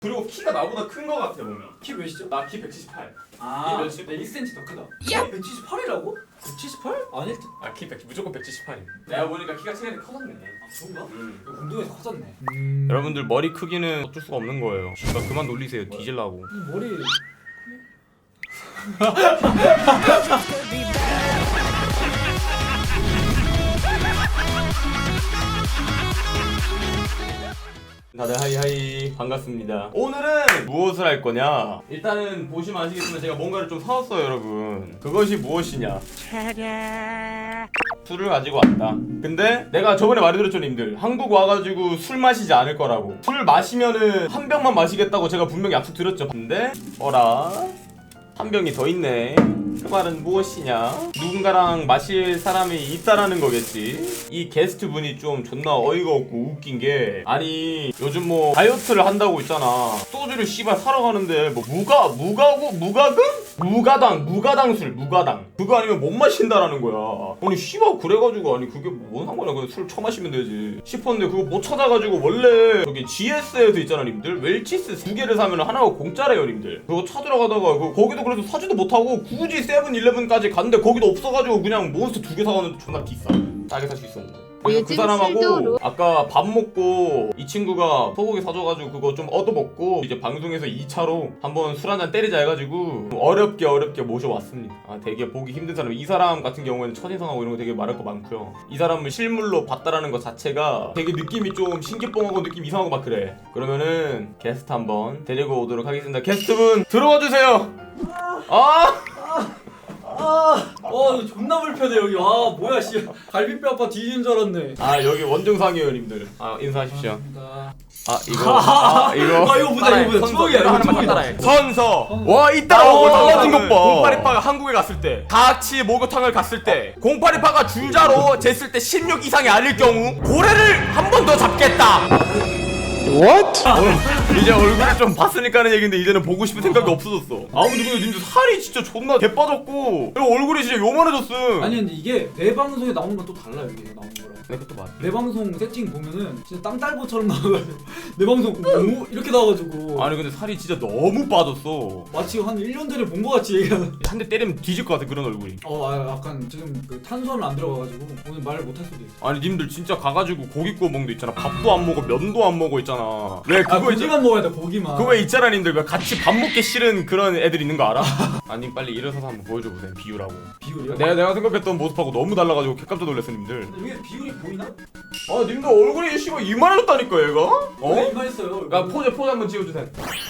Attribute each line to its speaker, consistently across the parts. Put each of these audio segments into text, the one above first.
Speaker 1: 그리고 키가 나보다 큰 거 같아 보면.
Speaker 2: 키 몇이죠?
Speaker 1: 나 키 178.
Speaker 2: 아,
Speaker 1: 이 몇이?
Speaker 2: 내 1cm 더 크다. 야! 178이라고? 178? 아닐 듯.
Speaker 1: 아 키 100, 무조건 178이. 내가 보니까 키가 최근에 커졌네.
Speaker 2: 아, 그런가?
Speaker 1: 음.
Speaker 2: 운동에서 커졌네.
Speaker 1: 여러분들 머리 크기는 어쩔 수가 없는 거예요. 그러니까 그만 놀리세요. 뒤질라고.
Speaker 2: 이 머리
Speaker 1: 다들 하이하이 반갑습니다. 오늘은 무엇을 할 거냐? 일단은 보시면 아시겠지만 제가 뭔가를 좀 사왔어요 여러분. 그것이 무엇이냐? 술을 가지고 왔다. 근데 내가 저번에 말해드렸죠 님들, 한국 와가지고 술 마시지 않을 거라고. 술 마시면은 한 병만 마시겠다고 제가 분명히 약속드렸죠. 근데 어라? 한 병이 더 있네. 그 말은 무엇이냐? 누군가랑 마실 사람이 있다라는 거겠지. 이 게스트 분이 좀 존나 어이가 없고 웃긴 게, 아니 요즘 뭐 다이어트를 한다고 있잖아. 소주를 씨발 사러 가는데 뭐 무가당 술 그거 아니면 못 마신다라는 거야. 아니 씨발 그래가지고 아니 그게 뭔 상관이야. 그냥 술 처마시면 되지 싶었는데 그거 못 찾아가지고, 원래 저기 GS에도 있잖아 님들, 웰치스 2개를 사면 하나가 공짜래요 님들. 그거 찾으러 가다가 거기도 그래도 사지도 못하고 굳이 세븐일레븐까지 갔는데 거기도 없어가지고 그냥 몬스터 2개 사가는데 존나 비싸. 싸게 살 수 있었는데. 그래서 그 사람하고 아까 밥 먹고 이 친구가 소고기 사줘가지고 그거 좀 얻어먹고 이제 방송에서 2차로 한번 술 한잔 때리자 해가지고 어렵게 모셔왔습니다. 아, 되게 보기 힘든 사람. 이 사람 같은 경우에는 첫인상하고 이런 거 되게 말할 거 많고요. 이 사람을 실물로 봤다라는 것 자체가 되게 느낌이 좀 신기뽕하고 느낌 이상하고 막 그래. 그러면은 게스트 한번 데리고 오도록 하겠습니다. 게스트분 들어와 주세요.
Speaker 2: 이거 존나 불편해 여기. 아 뭐야 씨. 갈비뼈 아파 뒤지는 줄 알았네.
Speaker 1: 아 여기 원정상이에요 님들. 아 인사하십시오.
Speaker 2: 감사합니다.
Speaker 1: 이거
Speaker 2: 보자. 추억이야.
Speaker 1: 하나만 따라해. 선서. 와 이따라고 달라진 것 봐. 082파가 한국에 갔을 때, 다 같이 목욕탕을 갔을 때 082파가 줄자로 쟀을 때 16 이상이 아닐 경우 고래를 한 번 더 잡겠다. What? 이제 얼굴을 좀 봤으니까 하는 얘기인데 이제는 보고 싶은 생각이 없어졌어. 아무튼 근데 님들 살이 진짜 존나 개빠졌고 얼굴이 진짜 요만해졌음.
Speaker 2: 아니 근데 이게 내 방송에 나오는 건 또 달라요. 이게 나오는 거랑.
Speaker 1: 네, 그것도 맞아.
Speaker 2: 내 방송 세팅 보면은 진짜 땅딸보처럼 나와가지고 내 방송 오 이렇게 나와가지고.
Speaker 1: 아니 근데 살이 진짜 너무 빠졌어.
Speaker 2: 마치 한 1년 전에 본 거 같이 얘기하는.
Speaker 1: 한 대 때리면 뒤질 것 같아 그런 얼굴이.
Speaker 2: 약간 지금 그 탄수화물 안 들어가가지고 오늘 말을 못 할 수도 있어.
Speaker 1: 아니 님들 진짜 가가지고 고기 구워 먹는 데 있잖아. 밥도 안 먹어, 면도 안 먹어 있잖아. 왜 그거
Speaker 2: 고기만 먹어야 돼. 고기만.
Speaker 1: 그거 왜 있잖아 님들, 왜 같이 밥 먹기 싫은 그런 애들 있는 거 알아? 아니 빨리 일어서서 한번 보여줘 보세요. 비유라고.
Speaker 2: 비율이요?
Speaker 1: 내가 생각했던 모습하고 너무 달라가지고 깜짝 놀랐어 님들.
Speaker 2: 근데 이게 비율이 보이나?
Speaker 1: 아 님들 얼굴이 씨발 이만해졌다니까 얘가?
Speaker 2: 어? 이만했어요.
Speaker 1: 야 포즈 한번 지어주세요.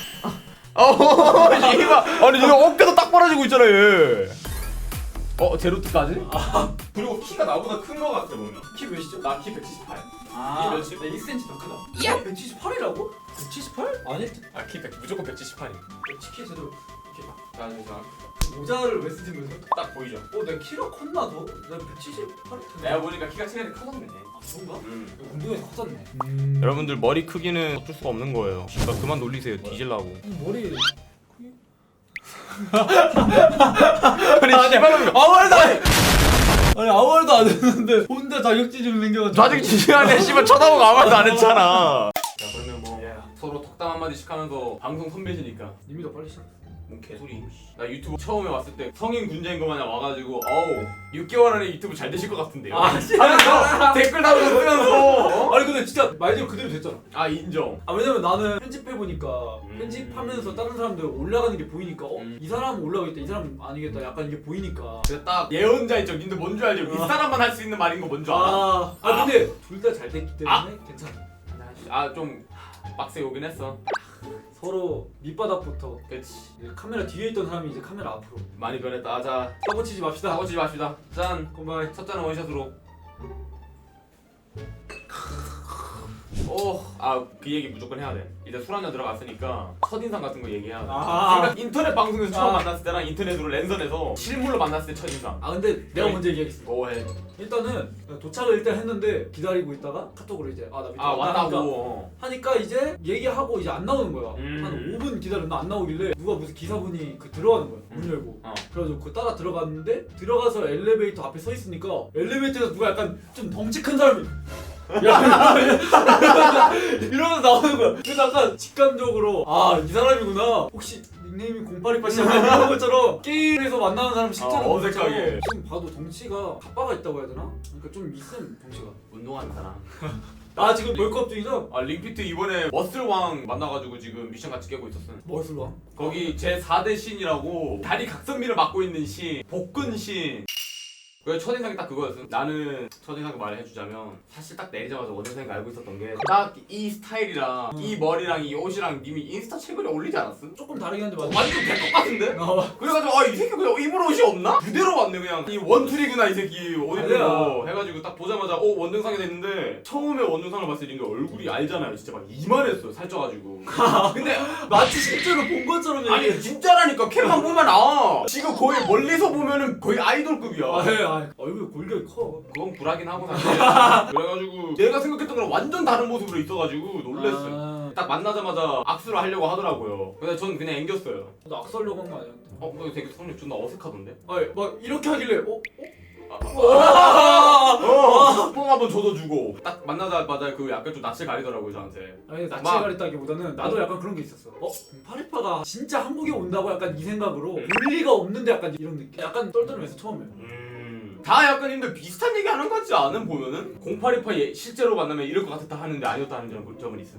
Speaker 1: 씨발 아니 얘 어깨도 딱 벌어지고 있잖아 얘. 제로트까지? 그리고 키가 나보다 큰 거 같아 보면.
Speaker 2: 키 몇이죠?
Speaker 1: 나 키 178.
Speaker 2: 아,
Speaker 1: 이 몇이?
Speaker 2: 내 1cm 더 크다. 야! 178이라고? 178? 아닐 듯.
Speaker 1: 아 키 100, 무조건 178이.
Speaker 2: 치킨 제대로 이렇게
Speaker 1: 나 진짜
Speaker 2: 모자를 왜 쓰신 거죠?
Speaker 1: 딱 보이죠?
Speaker 2: 내 키가 컸나 더? 난 178이
Speaker 1: 내가 보니까 키가 최근에 커졌네.
Speaker 2: 아 그런가?
Speaker 1: 음.
Speaker 2: 운동에서 컸었네.
Speaker 1: 여러분들 머리 크기는 어쩔 수가 없는 거예요. 그러니까 그만 놀리세요. 뒤질라고.
Speaker 2: 머리
Speaker 1: 아니 씨발놈
Speaker 2: 아무 말도 안 해! 아니 아무 말도 안 했는데 혼자 자격지심 생겨가지고
Speaker 1: 자직 지시하네. 씨발 쳐다보고 아무 말도 안 했잖아. 자 그러면 뭐 서로 덕담 한마디씩 하면서 방송 선배시니까.
Speaker 2: 이미 더 빨리 시작.
Speaker 1: 뭔 개소리. 나 유튜브 처음에 왔을 때 성인 군자인 거 마냥 와가지고 6개월 안에 유튜브 잘 되실 것 같은데요. 하면서 댓글 달고 쓰면서
Speaker 2: 아니 근데 진짜 말대로 그대로 됐잖아.
Speaker 1: 인정.
Speaker 2: 왜냐면 나는 편집해보니까 편집하면서 다른 사람들 올라가는 게 보이니까 이 사람은 올라가겠다 이 사람은 아니겠다 약간 이게 보이니까.
Speaker 1: 그래서 딱 예언자 있죠. 님들 뭔 줄 알죠? 이 사람만 할 수 있는 말인 거 뭔 줄 알아?
Speaker 2: 근데 둘 다 잘 됐기 때문에 괜찮아.
Speaker 1: 좀 빡세 오긴 했어.
Speaker 2: 서로 밑바닥부터.
Speaker 1: 그렇지.
Speaker 2: 카메라 뒤에 있던 사람이 이제 카메라 앞으로.
Speaker 1: 많이 변했다. 자
Speaker 2: 사고 치지 맙시다.
Speaker 1: 사고 치지 맙시다. 짠.
Speaker 2: 컴바이.
Speaker 1: 첫 잔은 원샷으로. 그 얘기 무조건 해야 돼. 이제 술 한잔 들어갔으니까 첫인상 같은 거 얘기해야 돼. 그러니까 인터넷 방송에서 처음 만났을 때랑 인터넷으로 랜선에서 실물로 만났을 때 첫인상.
Speaker 2: 근데 내가 먼저 얘기하겠습니다.
Speaker 1: 뭐해?
Speaker 2: 일단은 도착을 일단 했는데 기다리고 있다가 카톡으로 이제 나 밑에
Speaker 1: 왔다고
Speaker 2: 하니까 이제 얘기하고 이제 안 나오는 거야. 한 5분 기다렸나 안 나오길래 누가 무슨 기사분이 들어가는 거야. 문 열고. 그래가지고 그 따라 들어갔는데 들어가서 엘리베이터 앞에 서 있으니까 엘리베이터에서 누가 약간 좀 덩치 큰 사람이 이러면서 나오는 거야. 그래서 약간 직감적으로 아 이 사람이구나. 혹시 닉네임이 0828 약간 이런 것처럼 게임에서 만나는 사람 실제로
Speaker 1: 어색하게.
Speaker 2: 지금 봐도 덩치가 가빠가 있다고 해야 되나? 그러니까 좀 있음 덩치가.
Speaker 1: 운동하는 사람.
Speaker 2: 나 지금 벌크업 중이죠?
Speaker 1: 아 링피트 이번에 머슬왕 만나가지고 지금 미션 같이 깨고 있었어.
Speaker 2: 무엇을 봐?
Speaker 1: 거기 제 4대 신이라고 다리 각선미를 맡고 있는 신, 복근 신. 그 첫인상이 딱 그거였어. 나는 첫인상 말해주자면 사실 딱 내리자마자 원인상이 알고 있었던 게 딱 이 스타일이랑 이 머리랑 이 옷이랑 님이 인스타 최근에 올리지 않았음?
Speaker 2: 조금 다르긴 한데 맞아.
Speaker 1: 완전 개똑같은데?
Speaker 2: 아,
Speaker 1: 그래가지고 아 이 새끼 그냥 입을 옷이 없나? 그대로 왔네 그냥 이 원툴이구나 이 새끼 옷 입는 거 해가지고 딱 보자마자 원등상이 됐는데 처음에 원등상을 봤을 때 이게 얼굴이 알잖아요 진짜 막 이만했어요 살쪄가지고 근데
Speaker 2: 마치 실제로 본 것처럼
Speaker 1: 아니
Speaker 2: 얘기해.
Speaker 1: 진짜라니까 캠만 보면 지금 거의 멀리서 보면은 거의 아이돌급이야
Speaker 2: 얼굴 골격이 커.
Speaker 1: 그건 불하긴 하고 사실 그래가지고 내가 생각했던 거랑 완전 다른 모습으로 있어가지고 놀랬어요 딱 만나자마자 악수를 하려고 하더라고요 근데 전 그냥 앵겼어요
Speaker 2: 너 악수하려고 한 거 아니야?
Speaker 1: 너 되게 성격 존나 어색하던데?
Speaker 2: 아니 막 이렇게 하길래
Speaker 1: 뽕 한번 줘도 딱 만나자마자 그 약간 좀 낯을 가리더라고요 저한테
Speaker 2: 아니 낯을
Speaker 1: 막-
Speaker 2: 가렸다기보다는 나도 약간 그런 게 있었어. 파리파가 진짜 한국에 온다고 약간 이 생각으로 올 리가 없는데 약간 이런 느낌. 약간 떨떠름해서 처음에.
Speaker 1: 다 약간 근데 비슷한 얘기 하는 것 같지 않은 보면은 0828 실제로 만나면 이럴 것 같았다 하는데 아니었다 하는 점은 있음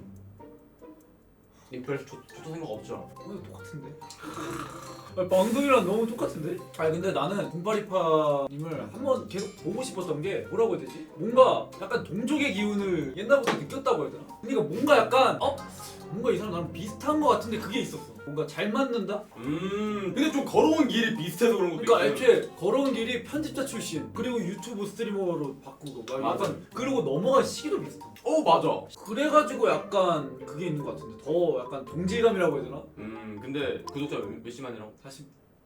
Speaker 1: 님 별로 좋다 생각 없죠?
Speaker 2: 똑같은데? 방송이랑 너무 똑같은데? 아니 근데 나는 0828님을 한번 계속 보고 싶었던 게 뭐라고 해야 되지? 뭔가 약간 동족의 기운을 옛날부터 느꼈다고 해야 되나? 그러니까 뭔가 약간 뭔가 이 사람 나랑 비슷한 거 같은데 그게 있었어. 뭔가 잘 맞는다?
Speaker 1: 근데 좀 걸어온 길이 비슷해서 그런 것도
Speaker 2: 그러니까
Speaker 1: 있어요.
Speaker 2: 애초에 걸어온 길이 편집자 출신 그리고 유튜브 스트리머로 바꾸고 막
Speaker 1: 맞아.
Speaker 2: 약간 그리고 넘어간 시기도 비슷해.
Speaker 1: 맞아
Speaker 2: 그래가지고 약간 그게 있는 것 같은데 더 약간 동질감이라고 해야 되나?
Speaker 1: 근데 구독자 몇십만이라고?
Speaker 2: 40.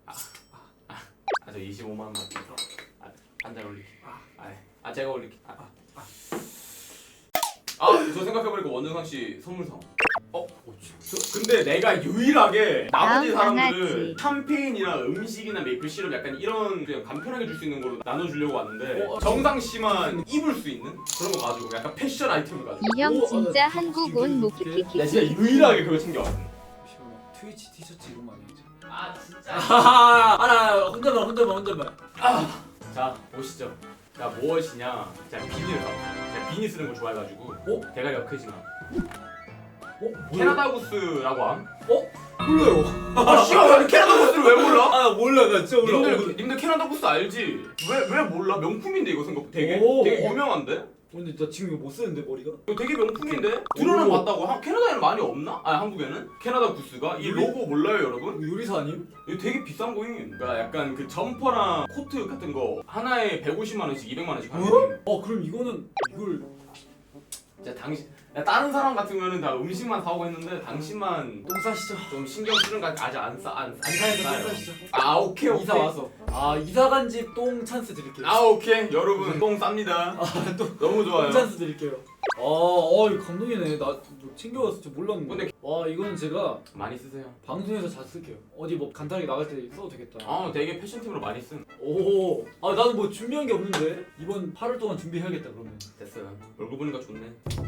Speaker 1: 저 25만원 한달 올릴게 제가 올릴게 저 생각해보니까 원정상씨 선물상 근데 내가 유일하게 나머지 사람들을
Speaker 3: 강아지.
Speaker 1: 샴페인이나 음식이나 메이플 시럽 약간 이런 그냥 간편하게 줄 수 있는 걸로 나눠주려고 왔는데
Speaker 2: 어,
Speaker 1: 정상씨만 입을 수 있는 그런 거 가지고 약간 패션 아이템을 가지고
Speaker 3: 이 형 진짜 한국 온
Speaker 1: 나
Speaker 3: 모키키키.
Speaker 1: 진짜 유일하게 그걸 챙겨왔어
Speaker 2: 잠시만 트위치 티셔츠 이런 거 아니지?
Speaker 1: 진짜
Speaker 2: 나 혼자만
Speaker 1: 자 보시죠 나 무엇이냐 자 비니를 사왔어 제가 비니 쓰는 걸 좋아해가지고 대가리가 크지만 캐나다 구스라고 함?
Speaker 2: 몰라요.
Speaker 1: 씨발 캐나다 구스를 왜 몰라?
Speaker 2: 몰라 나 진짜
Speaker 1: 님들 캐나다 구스 알지? 왜 몰라? 명품인데 이거 생각 되게
Speaker 2: 오.
Speaker 1: 유명한데?
Speaker 2: 근데 나 지금 이거 못 쓰는데 머리가?
Speaker 1: 이거 되게 명품인데? 들어는
Speaker 2: 오.
Speaker 1: 봤다고 캐나다에는 많이 없나? 한국에는? 캐나다 구스가? 이 로고 몰라요 여러분?
Speaker 2: 이거 요리사 아님?
Speaker 1: 이거 되게 비싼 거임 그러니까 약간 그 점퍼랑 코트 같은 거 하나에 150만원씩 200만원씩 하는
Speaker 2: 그럼 이거는 이걸
Speaker 1: 다른 사람 같으면은 다 음식만 사오고 했는데 당신만
Speaker 2: 똥 싸시죠?
Speaker 1: 좀 신경 쓰는 거 아직 안
Speaker 2: 이사해서 똥 싸시죠?
Speaker 1: 오케이
Speaker 2: 이사 와서 이사 간 집 똥 찬스 드릴게요.
Speaker 1: 오케이 여러분 똥 쌉니다 너무 좋아요
Speaker 2: 똥 찬스 드릴게요. 이거 감동이네. 나 챙겨왔을 줄 몰랐는데.
Speaker 1: 근데-
Speaker 2: 와 이거는 제가
Speaker 1: 많이 쓰세요
Speaker 2: 방송에서 잘 쓸게요. 어디 뭐 간단하게 나갈 때 써도 되겠다.
Speaker 1: 되게 패션팀으로 많이 쓴
Speaker 2: 나는 뭐 준비한 게 없는데 이번 8월 동안 준비해야겠다 그러면.
Speaker 1: 됐어요 얼굴 보니까 좋네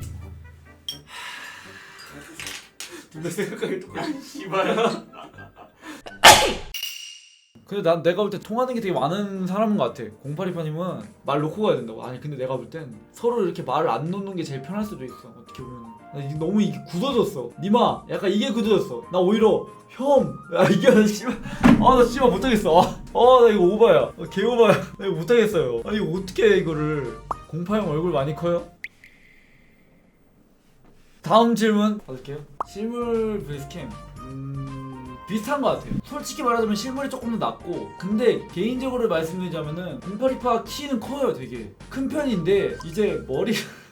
Speaker 2: 근데 생각하기 똑같아.
Speaker 1: 씨발
Speaker 2: 근데 난 내가 볼 때 통하는 게 되게 많은 사람인 것 같아. 0828님은 말 놓고 가야 된다고. 아니 근데 내가 볼 땐 서로 이렇게 말을 안 놓는 게 제일 편할 수도 있어. 어떻게 보면 나 이게 너무 이게 굳어졌어. 니마 약간 이게 굳어졌어. 나 오히려 이게 나 씨발 나 씨발 못하겠어. 나 이거 오바야. 개 오바야. 나 이거 못하겠어요. 아니 이거 어떻게 해 이거를. 08형 얼굴 많이 커요? 다음 질문 받을게요. 실물 베이스캠 비슷한 것 같아요. 솔직히 말하자면 실물이 조금 더 낫고 근데 개인적으로 말씀드리자면은 0828 키는 커요. 되게 큰 편인데 이제 머리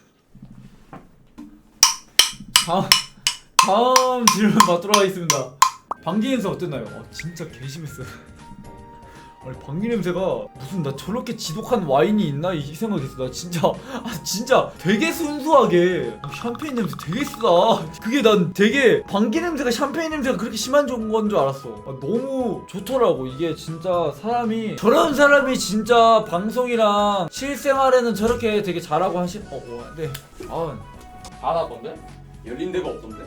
Speaker 2: 다음 질문 받도록 하겠습니다. 방귀 인사 어땠나요? 진짜 개심했어요. 아니 방귀 냄새가 무슨 나 저렇게 지독한 와인이 있나 이 생각했어. 나 진짜 진짜 되게 순수하게 샴페인 냄새 되게 쓰다. 그게 난 되게 방귀 냄새가 샴페인 냄새가 그렇게 심한 건 줄 알았어. 너무 좋더라고. 이게 진짜 사람이 저런 사람이 진짜 방송이랑 실생활에는 저렇게 되게 잘하고 네.
Speaker 1: 다 나던데? 열린 데가 없던데?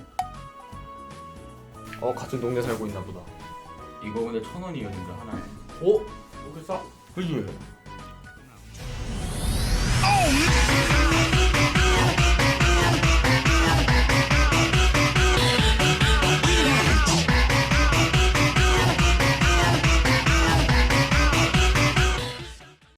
Speaker 1: 같은 동네 살고 있나 보다. 이거 근데 1,000원이었는데 하나에. 어? 이렇게 싸? 그지?